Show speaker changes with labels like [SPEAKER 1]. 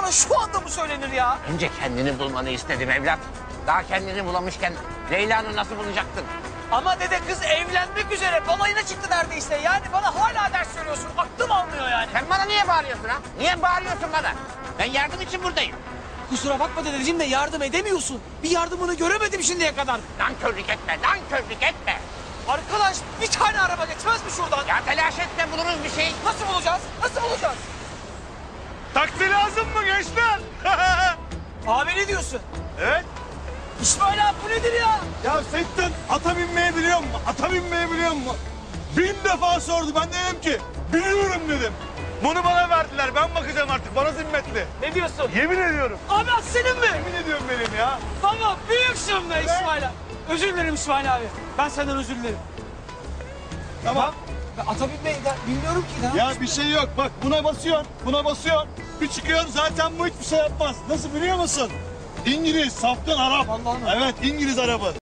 [SPEAKER 1] bana şu anda mı söylenir ya?
[SPEAKER 2] Önce kendini bulmanı istedim evlat. Daha kendini bulamışken Leyla'nı nasıl bulacaktın?
[SPEAKER 1] Ama dede kız evlenmek üzere balayına çıktı neredeyse. Yani bana hala ders söylüyorsun. Aklım almıyor yani.
[SPEAKER 2] Sen bana niye bağırıyorsun ha? Niye bağırıyorsun bana? Ben yardım için buradayım.
[SPEAKER 1] Kusura bakma dedeciğim de yardım edemiyorsun. Bir yardımını göremedim şimdiye kadar.
[SPEAKER 2] Nankörlük etme, nankörlük etme.
[SPEAKER 1] Arkadaş bir tane araba geçmez mi şuradan?
[SPEAKER 2] Ya telaş etme, buluruz bir şey.
[SPEAKER 1] Nasıl bulacağız? Nasıl bulacağız?
[SPEAKER 3] Taksi lazım mı gençler?
[SPEAKER 1] Abi ne diyorsun?
[SPEAKER 3] Evet.
[SPEAKER 1] İsmail abi bu nedir ya?
[SPEAKER 3] Ya Seyittin ata binmeyi biliyor musun? Ata binmeyi biliyor musun? 1000 defa sordu. Ben de dedim ki biliyorum dedim. Bunu bana verdiler. Ben bakacağım artık. Bana zimmetli.
[SPEAKER 1] Ne diyorsun?
[SPEAKER 3] Yemin ediyorum.
[SPEAKER 1] Abi at senin mi?
[SPEAKER 3] Yemin ediyorum benim ya.
[SPEAKER 1] Tamam büyüksün be İsmail abi. Özür dilerim İsmail abi. Ben senden özür dilerim.
[SPEAKER 3] Tamam.
[SPEAKER 1] Ben ata binmeyi bilmiyorum ki.
[SPEAKER 3] Ya bir şey yok. Bak buna basıyorsun. Buna basıyorsun. Bir çıkıyorsun zaten bu hiçbir şey yapmaz. Nasıl biliyor musun? İngiliz, safkan Arap.
[SPEAKER 1] Vallahi mi?
[SPEAKER 3] Evet İngiliz arabı.